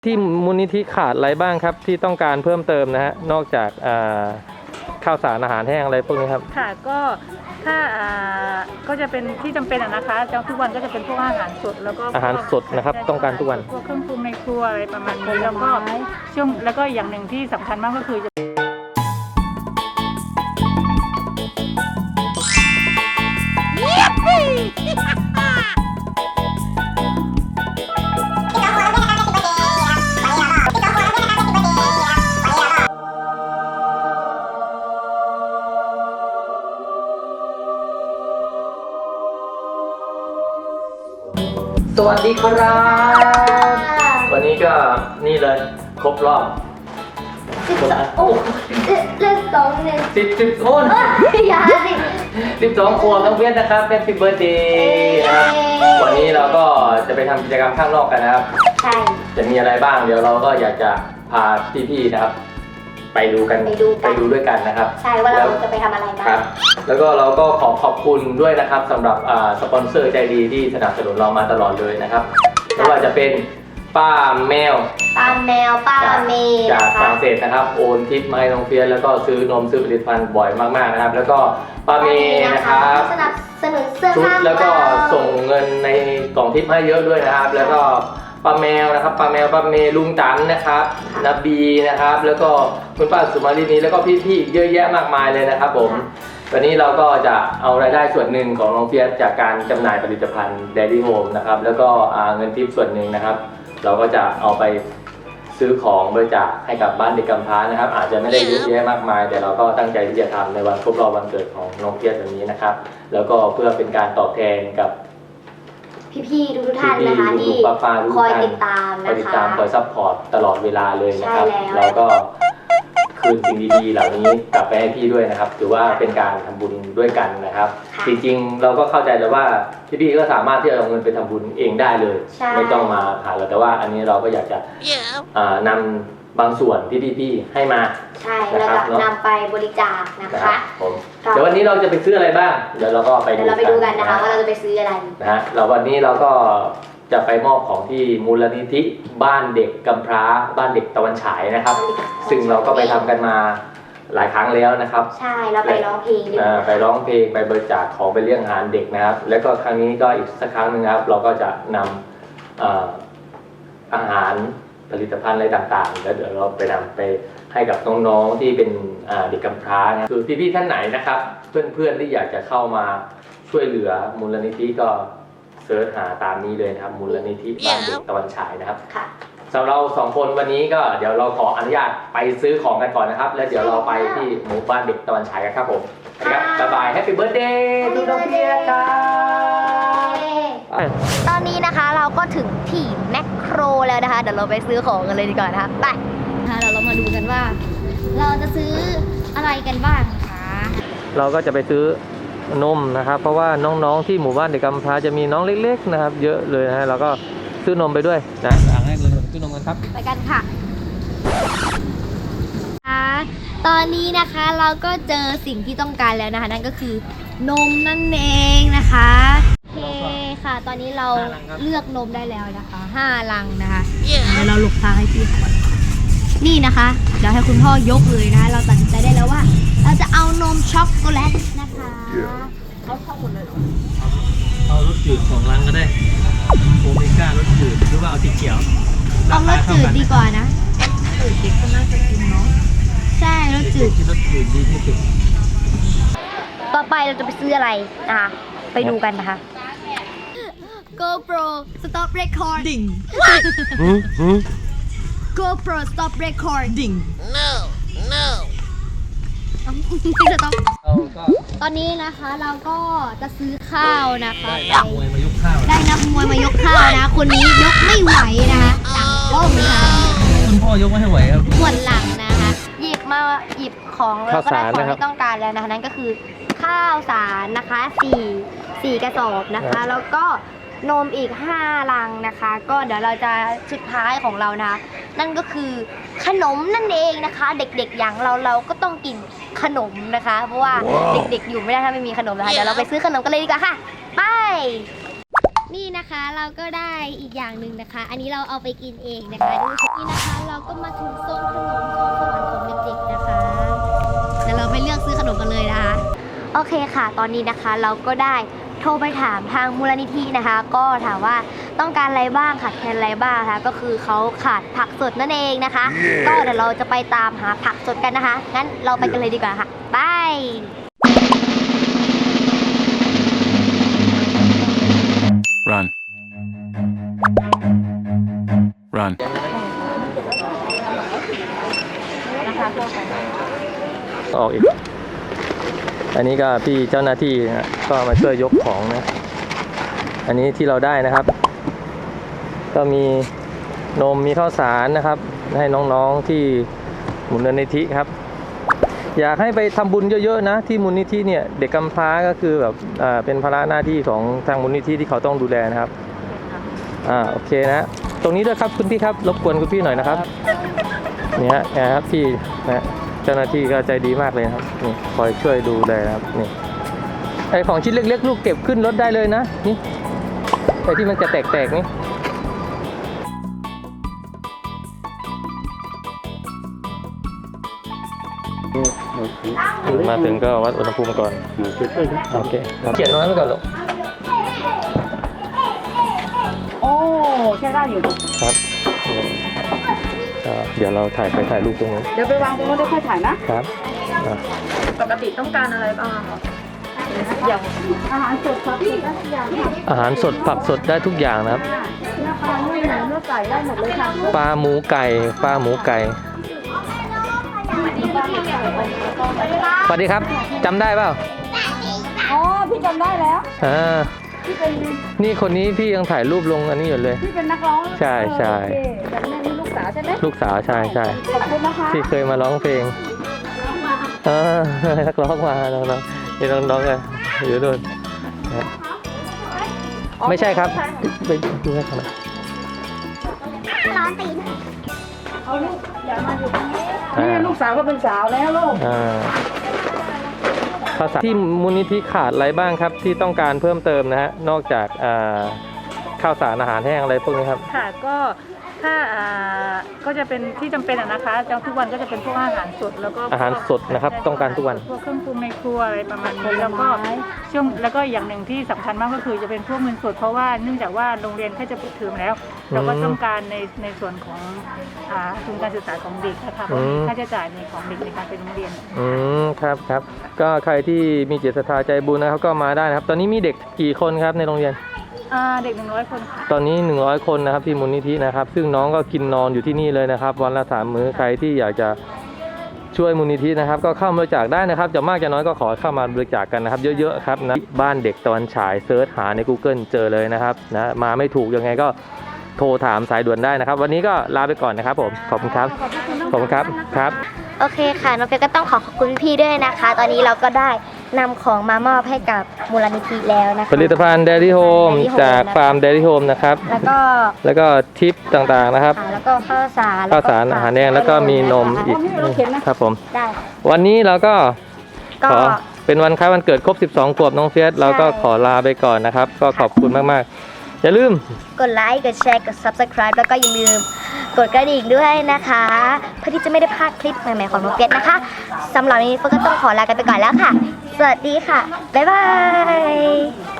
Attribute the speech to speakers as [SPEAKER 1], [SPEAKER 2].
[SPEAKER 1] ที่มูลนิธิขาดอะไรบ้างครับที่ต้องการเพิ่มเติมนะฮะนอกจากข้าวสารอาหารแห้งอะไรพวกนี้ครับ
[SPEAKER 2] ค่ะก็ถ้าก็จะเป็นที่จำเป็นนะคะทุกวันก็จะเป็นพวกอาหารสดแล้วก็
[SPEAKER 1] อาหารสดนะครับต้องการทุกวัน
[SPEAKER 2] พวกเครื่องปรุงในครัวอะไรประมาณนี้แล้วก็ช่วงแล้วก็อย่างหนึ่งที่สำคัญมากก็คือ
[SPEAKER 1] สวัสดีครับวันนี้ก็นี่เลยครบรอบ
[SPEAKER 3] โอ้เลขสองเนี่ย
[SPEAKER 1] 10 คน
[SPEAKER 3] อย่าสิ
[SPEAKER 1] 12 ขวบน้องเพียรนะครับเป็นHappy Birthdayนะครับวันนี้เราก็จะไปทำกิจกรรมข้างนอกกันนะครับ
[SPEAKER 3] ใช่
[SPEAKER 1] จะมีอะไรบ้างเดี๋ยวเราก็อยากจะพาพี่ๆนะครับไปดูกันไปดูด้วยกันนะครับ
[SPEAKER 3] ใช่ว่าเราจะไปทำอะไรกัน
[SPEAKER 1] ครับแล้วก็เราก็ขอบคุณด้วยนะครับสำหรับสปอนเซอร์ใจดีที่สนับสนุนเรามาตลอดเลยนะครับไม่ว่าจะเป็นป้าแมว
[SPEAKER 3] ป้าเมย์
[SPEAKER 1] จากฝรั่งเศสนะครับโอนทิปมาให้น้องเฟียสแล้วก็ซื้อนมซื้อผลิตภัณฑ์บ่อยมากๆนะครับแล้วก็ป้าเมย์นะครับ
[SPEAKER 3] สนับสนุนเสื้อ
[SPEAKER 1] ชุด
[SPEAKER 3] ผ้า
[SPEAKER 1] แล้วก็ส่งเงินในกล่องทิปให้เยอะด้วยนะครับแล้วก็ป้าแมวนะครับป้าเมย์ลุงตันนะครับนบีนะครับแล้วก็คุณป้าสุมาลีนีแล้วก็พี่ๆเยอะแยะมากมายเลยนะครับผมวันนี้เราก็จะเอารายได้ส่วนหนึ่งของน้องเฟียสจากการจำหน่ายผลิตภัณฑ์ Dairy Home นะครับแล้วก็เงินทิปส่วนหนึ่งนะครับเราก็จะเอาไปซื้อของบริจาคให้กับบ้านเด็กกำพร้านะครับอาจจะไม่ได้เยอะแยะมากมายแต่เราก็ตั้งใจที่จะทำในวันครบรอบวันเกิดของน้องเฟียสวันนี้นะครับแล้วก็เพื่อเป็นการตอบแทนกับ
[SPEAKER 3] พี่ๆทุกท่านนะคะที่คอยติดตามนะคะ
[SPEAKER 1] คอยซัพพอร์ตตลอดเวลาเลยนะครับเราก็คืนสิ่งดีๆเหล่านี้กลับไปให้พี่ด้วยนะครับถือว่าเป็นการทำบุญด้วยกันนะครับจริงๆเราก็เข้าใจแล้วว่าพี่ๆก็สามารถที่จะเอาเงินไปทำบุญเองได้เลยไม่ต้องมาหาเราแต่ว่าอันนี้เราก็อยากจะนำบางส่วนที่พี่ๆให้มา
[SPEAKER 3] ใช่แล้วก็นำไปบริจาคนะคะ
[SPEAKER 1] เดี๋ยววันนี้เราจะไปซื้ออะไรบ้างเดี๋ยวเราก็ไป
[SPEAKER 3] ดูกันนะคะว่าเราจะไปซื้ออะไร
[SPEAKER 1] นะฮะเราวันนี้เราก็จะไปมอบของที่มูลนิธิบ้านเด็กกำพร้าบ้านเด็กตะวันฉายนะครับซึ่งเราก็ไปทำกันมาหลายครั้งแล้วนะครับ
[SPEAKER 3] ใช่เราไปร้องเพลง
[SPEAKER 1] ไปร้องเพลงไปบริจาคของไปเลี้ยงอาหารเด็กนะครับแล้วก็ครั้งนี้ก็อีกสักครั้งนึงครับเราก็จะนำอาหารผลิตภัณฑ์อะไรต่างๆแล้วเดี๋ยวเราไปนำไปให้กับน้องๆที่เป็นเด็กกำพร้านะคือพี่ๆท่านไหนนะครับเพื่อนๆที่อยากจะเข้ามาช่วยเหลือมูลนิธิก็เสิร์ชหาตามนี้เลยนะครับมูลนิธิบ้านเด็กตะวันฉายนะครับสำหรับเรา2 คนวันนี้ก็เดี๋ยวเราขออนุญาตไปซื้อของกันก่อนนะครับแล้วเดี๋ยวเราไปที่หมู่บ้านเด็กตะวันฉายกันครับผมครับบ๊ายบายแฮปปี้เบิร์ธเดย์ทุกท่านครับ
[SPEAKER 3] ตอนนี้นะคะเราก็ถึงที่แมคโครแล้วนะคะเดี๋ยวเราไปซื้อของกันเลยดีกว่านะคะไปเดี๋ยวเรามาดูกันว่าเราจะซื้ออะไรกันบ้างคะ
[SPEAKER 1] เราก็จะไปซื้อนมนะครับเพราะว่าน้องๆที่หมู่บ้านเด็กกำพร้าจะมีน้องเล็กๆนะครับเยอะเลยนะฮะเราก็ซื้อนมไปด้วยนะอ่างแรกเลยซื้อนมกันครับ
[SPEAKER 3] ไปกันค่ะตอนนี้นะคะเราก็เจอสิ่งที่ต้องการแล้วนะคะนั่นก็คือนมนั่นเองนะคะโอเคค่ะตอนนี้เราเลือกนมได้แล้วนะคะ5 ลังนะคะเดี๋ยวเราหลบทางให้พี่ก่อนนี่นะคะเดี๋ยวให้คุณพ่อยกเลยนะเราตัดสินใจได้แล้วว่าเราจะเอานมช็อกโกแลตนะคะเขาชอบหมดเลย
[SPEAKER 1] เอารสจืด2 ลังก็ได้โอเมก้ารสจืดหรือว่าเอาสีเขียว
[SPEAKER 3] เอารสจืดดีกว่านะจืดเด็กก็น่าจะกินเนาะใช่รสจืด
[SPEAKER 1] รสจืดดีที่สุด
[SPEAKER 3] ต่อไปเราจะไปซื้ออะไรนะคะไปดูกันนะคะ GoPro stop recording GoPro stop recording no ตอนนี้นะคะเราก็จะซื้อข้าวนะคะ
[SPEAKER 1] ได้นักมวยมายกข้าว
[SPEAKER 3] นะคนนี้ยกไม่ไหวนะคะต่างก้มนะคะ
[SPEAKER 1] คุณพ่อยกไม่ไหวครับ
[SPEAKER 3] ปวดหลังนะคะหยิบของแล้วก็ได้ของที่ต้องการแล้วนะคะนั่นก็คือข้าวสารนะคะ4 กระสอบนะคะแล้วก็นมอีก5 ลังนะคะก็เดี๋ยวเราจะสุดท้ายของเรานะนั่นก็คือขนมนั่นเองนะคะเด็กๆอย่างเราก็ต้องกินขนมนะคะเพราะว่าเด็กๆอยู่ไม่ได้ถ้าไม่มีขนมนะคะเดี๋ยวเราไปซื้อขนมกันเลยดีกว่าค่ะไปนี่นะคะเราก็ได้อีกอย่างหนึ่งนะคะ อันนี้เราเอาไปกินเองนะคะดูนี่นะคะเราก็มาถึงโซนขนมโซนสวรรค์ของเด็กๆนะคะเดี๋ยวเราไปเลือกซื้อขนมกันเลยนะคะโอเคค่ะ ตอนนี้นะคะเราก็ได้โทรไปถามทางมูลนิธินะคะ ก็ถามว่าต้องการอะไรบ้างขาดแคลนอะไรบ้างนะคะก็คือเขาขาดผักสดนั่นเองนะคะ ก็เดี๋ยวเราจะไปตามหาผักสดกันนะคะงั้นเราไปกันเลยดีกว่าค่ะไป
[SPEAKER 4] Run. Run.
[SPEAKER 1] ออกอีก อันนี้ก็พี่เจ้าหน้าที่นะก็มาช่วยยกของนะ อันนี้ที่เราได้นะครับ ก็มีนมมีข้าวสารนะครับ ให้น้องๆที่มูลนิธิครับ อยากให้ไปทำบุญเยอะๆนะที่มูลนิธิเนี่ยเด็กกำพร้าก็คือแบบเป็นภาระหน้าที่ของทางมูลนิธิที่เขาต้องดูแลนะครับโอเคนะตรงนี้ด้วยครับคุณพี่ครับรบกวนคุณพี่หน่อยนะครับเนี่ยนะครับพี่นะเจ้าหน้าที่ก็ใจดีมากเลยครับนี่คอยช่วยดูแลนะครับนี่ไอของชิ้นเล็กๆลูกเก็บขึ้นรถได้เลยนะนี่ไอที่มันจะแตกๆนี่มาถึงก็วัดอุณหภูมิก่อนโอเคเขียนไว้ก่อนลูก
[SPEAKER 2] โอ้ใช้ได้อยู่
[SPEAKER 1] ครับเดี๋ยวเราถ่ายรูปตรงนี้
[SPEAKER 2] เดี๋ยวไปวางตรงนู้นได้ค่อยถ่ายนะครับ ปกติต้องการอะไรบ้างคะอย่างอาหารสดครับพี่อย่าง
[SPEAKER 1] อาหารสดผักสดได้ทุกอย่างนะครับ
[SPEAKER 2] เนื้อปลาเนื้อหมูเนื้อไก่ได้หมดเลยค่ะ
[SPEAKER 1] ปลาหมูไก่สวัสดีครับจำได้เปล่า
[SPEAKER 2] อ๋อพี่จำได้แล้วพี่เป็น
[SPEAKER 1] นี่คนนี้พี่ยังถ่ายรูปลงอันนี้อยู่เลย
[SPEAKER 2] พี่เป็นนักร้อง
[SPEAKER 1] ใช่
[SPEAKER 2] แต่แม่นี่ลูกสาวใช่ไหม
[SPEAKER 1] ลูกสาวใช่
[SPEAKER 2] ขอบคุณนะคะ
[SPEAKER 1] ที่เคยมาร้องเพลงนักร้องมาน้องๆนี่น้องๆกันอยู่ด้วยไม่ใช่ครับไปดูให้เขาหน่อย
[SPEAKER 2] เอาลูกอย่ามาอยู่ตรงนี้นี่ลูกสาวก็เป็นสาวแล้วลูก
[SPEAKER 1] ภาษาที่มูลนิธิขาดอะไรบ้างครับที่ต้องการเพิ่มเติมนะฮะนอกจากข้าวสารอาหารแห้งอะไรพวกนี้ครับ
[SPEAKER 2] ค่ะก็ถ้าก็จะเป็นที่จำเป็นนะคะทุกวันก็จะเป็นพวกอาหารสดแล้วก็
[SPEAKER 1] อาหารสดนะครับต้องการทุกวัน
[SPEAKER 2] พวกเครื่องปรุงในครัวอะไรประมาณนี้แล้วก็แล้วก็อย่างหนึ่งที่สำคัญมากก็คือจะเป็นพวกเงินสดเพราะว่าเนื่องจากว่าโรงเรียนแค่จะปิดเทอมแล้วเราก็ต้องการในส่วนของทุนการศึกษาของเด็กนะคะเพราะมีค่าใช้จ่ายในของเด็กในการไปโรงเรียน
[SPEAKER 1] ครับก็ใครที่มีจิตศรัทธาใจบุญนะครับก็มาได้นะครับตอนนี้มีเด็กกี่คนครับในโรงเรียน
[SPEAKER 2] เด็ก100 คนค่ะ
[SPEAKER 1] ตอนนี้100 คนนะครับที่มูลนิธินะครับซึ่งน้องก็กินนอนอยู่ที่นี่เลยนะครับวันละ3 มื้อใครที่อยากจะช่วยมูลนิธินะครับก็เข้ามาบริจาคได้นะครับจะมากจะน้อยก็ขอเข้ามาบริจาคกันนะครับเยอะๆครับนะบ้านเด็กตะวันฉายเซิร์ชหาใน Google เจอเลยนะครับนะมาไม่ถูกยังไงก็โทรถามสายด่วนได้นะครับวันนี้ก็ลาไปก่อนนะครับผมขอบคุณครับครับ
[SPEAKER 3] โอเคค่ะน้องเฟียก็ต้องขอบคุณพี่ด้วยนะคะตอนนี้เราก็ได้นำของมามอบให้กับมูลนิธิแล้วนะคะ
[SPEAKER 1] ผลิตภัณฑ์ Dairy Home จากฟาร์ม Dairy Home นะครับแล้วก็ทิปต่างๆนะครับ
[SPEAKER 3] แล้วก็ข้าวสาร
[SPEAKER 1] อาหารแห้งแล้วก็มีนมอีกครับผมวันนี้เราก็ขอเป็นวันคล้ายวันเกิดครบ12 ขวบน้องเฟียสเราก็ขอลาไปก่อนนะครับก็ขอบคุณมากๆอย่าลืม
[SPEAKER 3] กดไลค์กดแชร์กด Subscribe แล้วก็อย่าลืมกดกระดิ่งด้วยนะคะเพื่อที่จะไม่ได้พลาดคลิปใหม่ๆของน้องเฟียสนะคะสำหรับวันนี้เฟิร์นก็ต้องขอลากันไปก่อนแล้วค่ะสวัสดีค่ะบ๊ายบาย